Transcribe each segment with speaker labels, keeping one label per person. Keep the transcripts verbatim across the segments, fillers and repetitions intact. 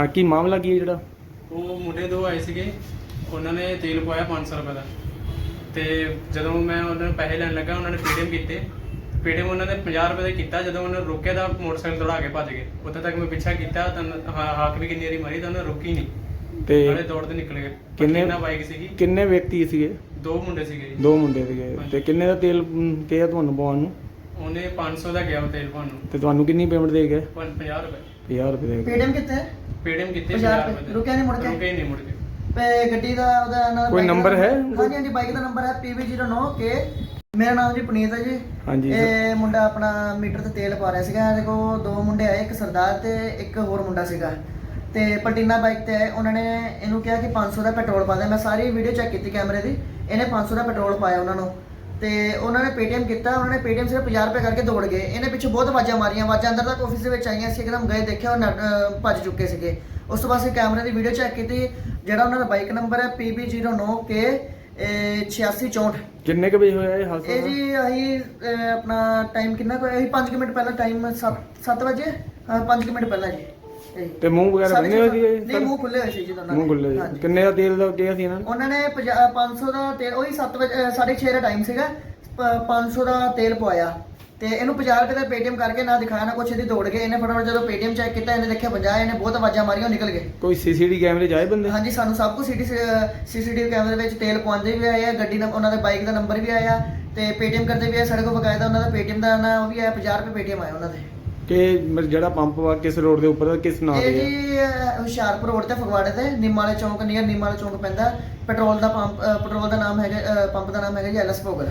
Speaker 1: ਹਾਂ, ਕੀ ਮਾਮਲਾ ਕੀ ਹੈ ਜਿਹੜਾ?
Speaker 2: ਉਹ ਮੁੰਡੇ ਦੋ ਆਏ ਸੀਗੇ, ਉਹਨਾਂ ਨੇ ਤੇਲ ਪਵਾਇਆ ਪੰਜ ਸੌ ਰੁਪਏ ਦਾ। ਤੇ ਜਦੋਂ ਮੈਂ ਉਹਨਾਂ ਨੂੰ ਪੈਸੇ ਲੈਣ ਲੱਗਾ, ਉਹਨਾਂ ਨੇ ਪੇਟੀਐਮ ਕੀਤੇ। ਪੇਟੀਐਮ ਉਹਨਾਂ ਨੇ ਪੰਜਾਹ ਰੁਪਏ ਦਾ ਕੀਤਾ। ਜਦੋਂ ਉਹਨਾਂ ਨੇ ਰੋਕਿਆ ਤਾਂ ਮੋਟਰਸਾਈਕਲ ਦੌੜਾ ਕੇ ਭੱਜ ਗਏ। ਉੱਥੇ ਤੱਕ ਮੈਂ ਪਿੱਛਾ ਕੀਤਾ ਤਾਂ ਹਾ- ਹਾਕ ਵੀ ਕਿੰਨੀ ਵਾਰੀ ਮਾਰੀ ਤਾਂ ਉਹਨਾਂ ਰੁਕੀ ਨਹੀਂ,
Speaker 1: ਤੇ
Speaker 2: ਨਾਲੇ ਦੌੜਦੇ ਨਿਕਲ ਗਏ।
Speaker 1: ਕਿੰਨੇ
Speaker 2: ਕਿੰਨਾ ਬਾਈਕ ਸੀਗੀ,
Speaker 1: ਕਿੰਨੇ ਵਿਅਕਤੀ ਸੀਗੇ?
Speaker 2: ਦੋ ਮੁੰਡੇ ਸੀਗੇ ਜੀ।
Speaker 1: ਦੋ ਮੁੰਡੇ ਸੀਗੇ।
Speaker 2: ਹਾਂਜੀ।
Speaker 1: ਤੇ ਕਿੰਨੇ ਦਾ ਤੇਲ ਮ, ਕਿਹਾ ਤੁਹਾਨੂੰ ਪਵਾਉਣ ਨੂੰ?
Speaker 2: ਉਹਨੇ ਪੰਜ ਸੌ ਦਾ ਗਿਆ ਉਹ ਤੇਲ ਪਾਉਣ ਨੂੰ,
Speaker 1: ਤੇ ਤੁਹਾਨੂੰ ਕਿੰਨੀ ਪੇਮੈਂਟ ਦੇ ਗਏ?
Speaker 2: ਪੰ- ਪੰਜਾਹ ਰੁਪਏ
Speaker 1: ਪੰਜਾਹ ਰੁਪਏ ਦੇ ਗਏ।
Speaker 3: ਪੇਟੀਐਮ ਕਿੱਥੇ ਹੈ?
Speaker 2: ਪੇਟੀਐਮ ਕੀਤੇ
Speaker 3: ਪੰਜਾਹ
Speaker 2: ਪੰਜਾਹ
Speaker 3: ਰੁਪਏ।
Speaker 2: ਰੁਪਏ
Speaker 3: ਰੁਕਿਆ ਨਹੀਂ ਮੁੜ ਕੇ?
Speaker 2: ਰੁਕੇ ਹੀ ਨਹੀਂ ਮੁੜ ਕੇ।
Speaker 3: ਤੇ ਗੱਡੀ ਦਾ ਉਹਦਾ ਨਾਲ
Speaker 1: ਕੋਈ
Speaker 3: ਬਾਈਕ ਦਾ
Speaker 1: number ਹੈ?
Speaker 3: ਹਾਂਜੀ ਹਾਂਜੀ, ਬਾਈਕ ਦਾ ਨੰਬਰ ਹੈ ਪੀ ਵੀ ਜ਼ੀਰੋ ਨੌ ਕੇ। ਮੇਰਾ ਨਾਮ ਜੀ ਪੁਨੀਤ ਹੈ ਜੀ।
Speaker 1: ਹਾਂਜੀ ਸਰ।
Speaker 3: ਇਹ ਮੁੰਡਾ ਆਪਣਾ ਮੀਟਰ ਤੇ ਤੇਲ ਪਾ ਰਿਹਾ ਸੀਗਾ। ਇਹਦੇ ਕੋਲ ਦੋ ਮੁੰਡੇ ਆਏ, ਇੱਕ ਸਰਦਾਰ ਤੇ ਇੱਕ ਹੋਰ ਮੁੰਡਾ ਸੀਗਾ। ਤੇ ਪਲਟੀਨਾ ਬਾਈਕ ਤੇ ਆਏ। ਉਹਨਾਂ ਨੇ ਇਹਨੂੰ ਕਿਹਾ ਕਿ ਪੰਜ ਸੌ ਦਾ ਪੈਟਰੋਲ ਪਾ ਦੇ। ਮੈਂ ਸਾਰੀ ਵੀਡੀਓ ਚੈੱਕ ਕੀਤੀ ਕੈਮਰੇ ਦੀ। ਇਹਨੇ ਪੰਜ ਸੌ ਦਾ ਪੈਟਰੋਲ ਪਾਇਆ ਉਹਨਾਂ ਨੂੰ, ਤੇ ਉਹਨਾਂ ਨੇ ਪੇਟੀਐਮ ਕੀਤਾ। ਉਹਨਾਂ ਨੇ ਪੇਟੀਐਮ ਸਿਰਫ ਪੰਜਾਹ ਰੁਪਏ ਕਰਕੇ ਦੌੜ ਗਏ। ਇਹਨੇ ਪਿੱਛੇ ਬਹੁਤ ਆਵਾਜ਼ਾਂ ਮਾਰੀਆਂ। ਆਵਾਜ਼ਾਂ ਅੰਦਰ ਤੱਕ ਆਫਿਸ ਦੇ ਵਿੱਚ ਆਈਆਂ ਸੀ। ਇੱਕਦਮ ਗਏ, ਦੇਖਿਆ ਉਹ ਨੱਠ- ਅਹ ਭੱਜ ਚੁੱਕੇ ਸੀਗੇ। ਉਸ ਤੋਂ ਬਾਅਦ ਅਸੀਂ ਕੈਮਰੇ ਦੀ ਵੀਡੀਓ ਚੈੱਕ ਕੀਤੀ। ਜਿਹੜਾ ਉਹਨਾਂ ਦਾ ਬਾਈਕ ਨੰਬਰ ਹੈ ਪੀ ਬੀ ਜ਼ੀਰੋ ਨੌ ਕੇ ਛਿਆਸੀ ਚੌਂਹਠ।
Speaker 1: ਕਿੰਨੇ ਕੁ ਵਜੇ ਹੋਇਆ ਇਹ ਹਾਦਸਾ?
Speaker 3: ਇਹ ਜੀ ਅਸੀਂ ਅਹ, ਆਪਣਾ ਟਾਈਮ ਕਿੰਨਾ ਕੁ ਹੋਇਆ? ਅਸੀਂ ਪੰਜ ਮਿੰਟ ਪਹਿਲਾਂ, ਟਾਈਮ ਸੱਤ ਵਜੇ, ਹਾਂ ਪੰਜ ਮਿੰਟ ਪਹਿਲਾਂ ਜੀ। ਇਹ
Speaker 1: ਤੇ ਮੂੰਹ ਵਗੈਰਾ ਬੰਨੇ ਹੋਏ ਸੀਗੇ?
Speaker 3: ਨਹੀਂ, ਮੂੰਹ ਖੁੱਲੇ ਹੋਏ ਸੀ ਜੀ ਦੋਨਾਂ ਦੇ।
Speaker 1: ਮੂੰਹ ਖੁੱਲੇ
Speaker 3: ਹਾਂਜੀ।
Speaker 1: ਸੀ। ਕਿੰਨੇ ਦਾ ਤੇਲ ਦਾ ਕਿਹਾ ਸੀ ਇਹਨਾਂ ਨੇ?
Speaker 3: ਉਹਨਾਂ ਨੇ ਪੰਜ ਸੌ ਦਾ ਤੇਲ, ਉਹੀ ਸੱਤ ਵਜੇ ਸਾਢੇ ਛੇ ਦਾ ਟਾਈਮ ਸੀਗਾ। ਪੰਜ ਸੌ ਦਾ ਤੇਲ ਪਵਾਇਆ ਤੇ ਇਹਨੂੰ ਪੰਜਾਹ ਰੁਪਏ ਦਾ ਪੇਟੀਐਮ ਕਰਕੇ ਨਾ ਦਿਖਾਇਆ ਨਾ ਕੁਛ। ਇਹਦੀ ਦੌੜ ਗਏ। ਇਹਨੇ ਫਟਾਫਟ ਜਦੋਂ ਪੇਟੀਐਮ ਚੈੱਕ ਕੀਤਾ, ਇਹਨੇ ਦੇਖਿਆ ਪੰਜਾਹ। ਇਹਨੇ ਬਹੁਤ ਆਵਾਜ਼ਾਂ ਮਾਰੀਆਂ, ਉਹ ਨਿਕਲ ਗਏ।
Speaker 1: ਕੋਈ ਸੀਸੀਟੀ ਕੈਮਰੇ 'ਚ ਆਏ ਬੰਦੇ?
Speaker 3: ਹਾਂਜੀ, ਸਾਨੂੰ ਸਭ ਕੁਝ ਸੀਟੀ ਸੀਸੀਟੀਵੀ ਕੈਮਰੇ ਵਿੱਚ ਤੇਲ ਪਵਾਉਂਦੇ ਵੀ ਆਏ ਆ। ਗੱਡੀ ਨਾਲ ਉਹਨਾਂ ਦੇ ਬਾਈਕ ਦਾ ਨੰਬਰ ਵੀ ਆਇਆ ਤੇ ਪੇਟੀਐਮ ਕਰਦੇ ਵੀ ਆਏ। ਸਾਡੇ ਕੋਲ ਬਕਾਇਦਾ ਉਹਨਾਂ ਦਾ ਪੇਟੀਐਮ ਦਾ ਨਾ ਉਹ ਵੀ ਆਇਆ। ਪੰਜਾਹ ਰੁਪਏ ਪੇਟੀਐਮ ਆਇਆ ਉਹਨਾਂ ਦੇ।
Speaker 1: ਕਿ ਮ- ਜਿਹੜਾ ਪੰਪ ਵਾ ਕਿਸ ਰੋਡ ਦੇ ਉੱਪਰ, ਕਿਸ ਨਾਂ
Speaker 3: ਇਹ
Speaker 1: ਤੇ ਹੈ?
Speaker 3: ਜੀ ਅਹ, ਹੁਸ਼ਿਆਰਪੁਰ ਰੋਡ ਤੇ ਫਗਵਾੜੇ ਤੇ ਨਿੰਮ ਵਾਲੇ ਚੌਂਕ ਨੀਅਰ ਨਿੰਮ ਵਾਲੇ ਚੌਂਕ ਪੈਂਦਾ। ਪੈਟਰੋਲ ਦਾ ਪੰਪ, ਅਹ, ਪੈਟਰੋਲ ਦਾ ਨਾਮ ਹੈਗਾ, ਅਹ, ਪੰਪ ਦਾ ਨਾਮ ਹੈਗਾ ਜੀ ਐਲਐਸ ਭੋਗਲ।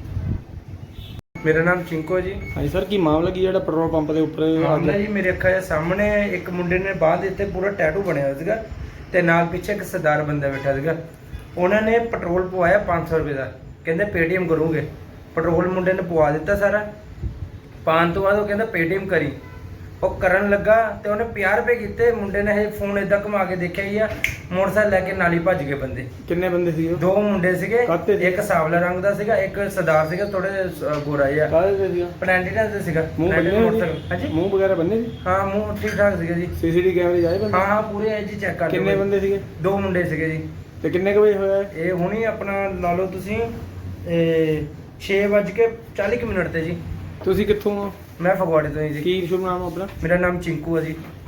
Speaker 4: ਮੇਰਾ ਨਾਮ ਚਿੰਕੂ ਹੈ ਜੀ।
Speaker 1: ਹਾਂਜੀ ਸਰ, ਕੀ ਮਾਮਲਾ ਕੀ ਜਿਹੜਾ ਪੈਟਰੋਲ ਪੰਪ ਦੇ ਉੱਪਰ
Speaker 4: ਮਾਮਲਾ
Speaker 1: ਅੱਗ-
Speaker 4: ਜੀ ਮੇਰੇ ਅੱਖਾਂ ਦੇ ਸਾਹਮਣੇ ਇੱਕ ਮੁੰਡੇ ਨੇ ਬਾਂਹ ਦੇ ਉੱਤੇ ਪੂਰਾ ਟੈਟੂ ਬਣਿਆ ਹੋਇਆ ਸੀਗਾ ਤੇ ਨਾਲ ਪਿੱਛੇ ਇੱਕ ਸਰਦਾਰ ਬੰਦਾ ਬੈਠਾ ਸੀਗਾ। ਉਹਨਾਂ ਨੇ ਪੈਟਰੋਲ ਪਵਾਇਆ ਪੰਜ ਸੌ ਰੁਪਏ ਦਾ। ਕਹਿੰਦੇ ਪੇਟੀਐਮ ਕਰੂਗੇ। ਪੈਟਰੋਲ ਮੁੰਡੇ ਨੇ ਪਵਾ ਦਿੱਤਾ ਸਾਰਾ। ਪਾਉਣ ਤੋਂ ਬਾਅਦ ਉਹ ਕਹਿੰਦਾ ਪੇਟੀਐਮ ਕਰੀ। ਉਹ ਕਰਨ ਲੱਗਾ ਤੇ ਉਹਨੇ ਪੰਜਾਹ ਰੁਪਏ ਕੀਤੇ। ਮੁੰਡੇ ਨੇ ਇਹ ਫੋਨ ਏਦਾਂ ਘੁਮਾ ਕੇ ਦੇਖਿਆ ਹੀ ਆ, ਮੋਟਰਸਾਈਕਲ ਲੈ ਕੇ ਨਾਲ ਹੀ ਭੱਜ ਗਏ ਬੰਦੇ।
Speaker 1: ਕਿੰਨੇ ਬੰਦੇ ਸੀ ਉਹ?
Speaker 4: ਦੋ ਮੁੰਡੇ ਸੀਗੇ,
Speaker 1: ਕਾਹਤੇ ਸੀ?
Speaker 4: ਇੱਕ ਸਾਵਲਾ ਰੰਗ ਦਾ ਸੀਗਾ, ਇੱਕ ਸਰਦਾਰ ਸੀਗਾ ਥੋੜੇ ਗੋਰਾ ਜਿਹਾ।
Speaker 1: ਕਾਹਦੇ ਤੇ ਸੀਗਾ?
Speaker 4: ਪਲੈਂਟੀਨਾ ਤੇ ਸੀਗਾ।
Speaker 1: ਮੂੰਹ
Speaker 4: ਪਲੈਂਟੀਨਾ
Speaker 1: ਬੰਨੇ
Speaker 4: ਮੋਟਰਸਾਈਕਲ।
Speaker 1: ਹੋਏ
Speaker 4: ਹਾਂਜੀ
Speaker 1: ਸੀ? ਮੂੰਹ ਵਗੈਰਾ ਬੰਨੇ ਸੀ?
Speaker 4: ਹਾਂ, ਮੂੰਹ ਠੀਕ ਠਾਕ ਸੀਗਾ ਜੀ।
Speaker 1: ਸੀਸੀਟੀ ਕੈਮਰੇ 'ਚ ਆਏ ਬੰਦੇ?
Speaker 4: ਹਾਂ ਹਾਂ, ਪੂਰੇ ਐ ਜੀ ਚੈੱਕ ਕਰ ਲਿਓ।
Speaker 1: ਕਿੰਨੇ ਬੰਦੇ ਸੀਗੇ?
Speaker 4: ਦੋ ਮੁੰਡੇ ਸੀਗੇ ਜੀ।
Speaker 1: ਤੇ ਕਿੰਨੇ ਕੁ ਵਜੇ ਹੋਇਆ ਇਹ?
Speaker 4: ਇਹ ਹੁਣੀ ਆਪਣਾ ਲਾ ਲਓ ਤੁਸੀਂ ਇਹ ਛੇ ਵੱਜ ਕੇ ਚਾਲੀ ਕੁ ਮਿੰਟ ਤੇ ਜੀ।
Speaker 1: ਤੁਸੀਂ ਕਿੱਥੋਂ ਹੋ?
Speaker 4: ਮੈਂ ਫਗਵਾੜੇ ਤੋਂ ਹੀ ਜੀ।
Speaker 1: ਕੀ ਸ਼ੁਭ ਨਾਮ ਆ ਆਪਣਾ?
Speaker 4: ਮੇਰਾ ਨਾਮ ਚਿੰਕੂ ਹੈ ਜੀ।